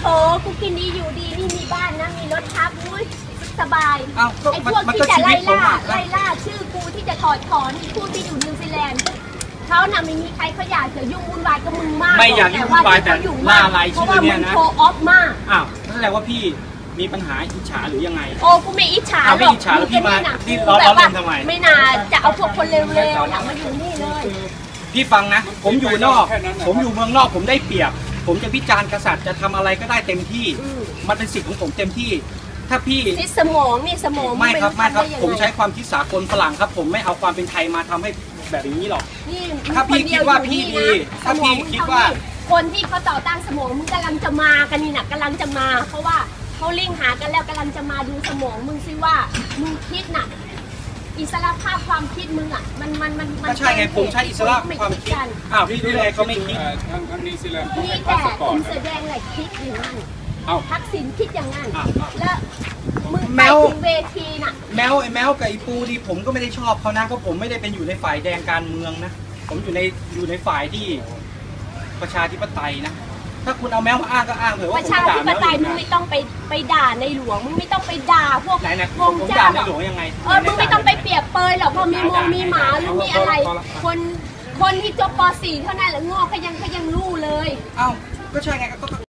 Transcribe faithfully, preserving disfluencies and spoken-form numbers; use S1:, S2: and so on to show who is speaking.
S1: โหกูกินดีอยู่ดีนี่มีบ้านนะมีรถทับอุ้ยสบายไอ้พวกที่จะไล่ล่าไล่ล่าชื่อกูที่จะถอดถอนผู้ที่อยู่นิวซีแลนด์เขาน่ะไม่มีใครเขาอยากจะยุ่งวุ่นวายกับมึงมาก
S2: ไม่อยากยุ่งวุ่นวายแต่ล่ารายชื่อเนี่ยนะ
S1: โชว์ออฟมาก
S2: อ้าวนั่นแหละว่าพี่มีปัญหาอิจฉาหรือยังไง
S1: โอ้กูไม่อิจฉาหรอก
S2: ไม่อิจฉาแล้วพี่มาที่ล้อล้อเล่นทำไม
S1: ไม่น่าจะเอาพวกคนเร็วๆน่ะมาอยู่นี่เลย
S2: พี่ฟังนะผมอยู่นอกผมอยู่เมืองนอกผมได้เปรียบผมจะวิจารณ์กษัตริย์จะทำอะไรก็ได้เต็มที่มันเป็นสิทธิ์ของผมเต็มที่ถ้าพี่
S1: คิดสมองนี่สมอง
S2: ไม่ครับไม่ครับผมใช้ความคิดสากลฝรั่งครับผมไม่เอาความเป็นไทยมาทำให้แบบนี้หรอกถ้าพี่คิดว่าพี่ดีถ้าพี่คิดว่า
S1: คนที่เขาต่อต้านสมองมึงกำลังจะมากันนี่นะกำลังจะมาเพราะว่าเขาลิงหากันแล้วกำลังจะมาดูสมองมึงซิว่ามึงคิดน่ะอิสระภาพความคิดมึงอ่ะมันมันมัน
S2: มันใช่ไงผมใช้อิสระความคิดอ้าวพี่ดูแลเขาไม่คิด
S3: ทางทางนี้สิแหละ
S1: นี่แต่คุณแสดงอะไรคิดอย่างนั้นทักษิณคิดอย่างนั้นแล้วมึงไปถึงเวทีน่ะ
S2: แมวไอ้แมวกับไอ้ปูที่ผมก็ไม่ได้ชอบเขานะเพราะผมไม่ได้เป็นอยู่ในฝ่ายแดงการเมืองนะผมอยู่ในอยู่ในฝ่ายที่ประชาธิปไตยนะถ้าคุณเอาแมวมาอ้างก็อ้างเถอะว่า
S1: ประชาธิปไตยมึงไม่ต้องไปไปด่าในหลวงมึงไม่ต้องไปด่าพวกวงเจ้าหรอกเออมึงไม่ต้องไปเปรียบเปยหรอกพอมีมงมีหมาหรือมีอะไรคนคนที่จบป .สี่ เท่านั้นแหละงอกเขายังเขายังรู้เลย
S2: เอ้าก็ใช่ไงก็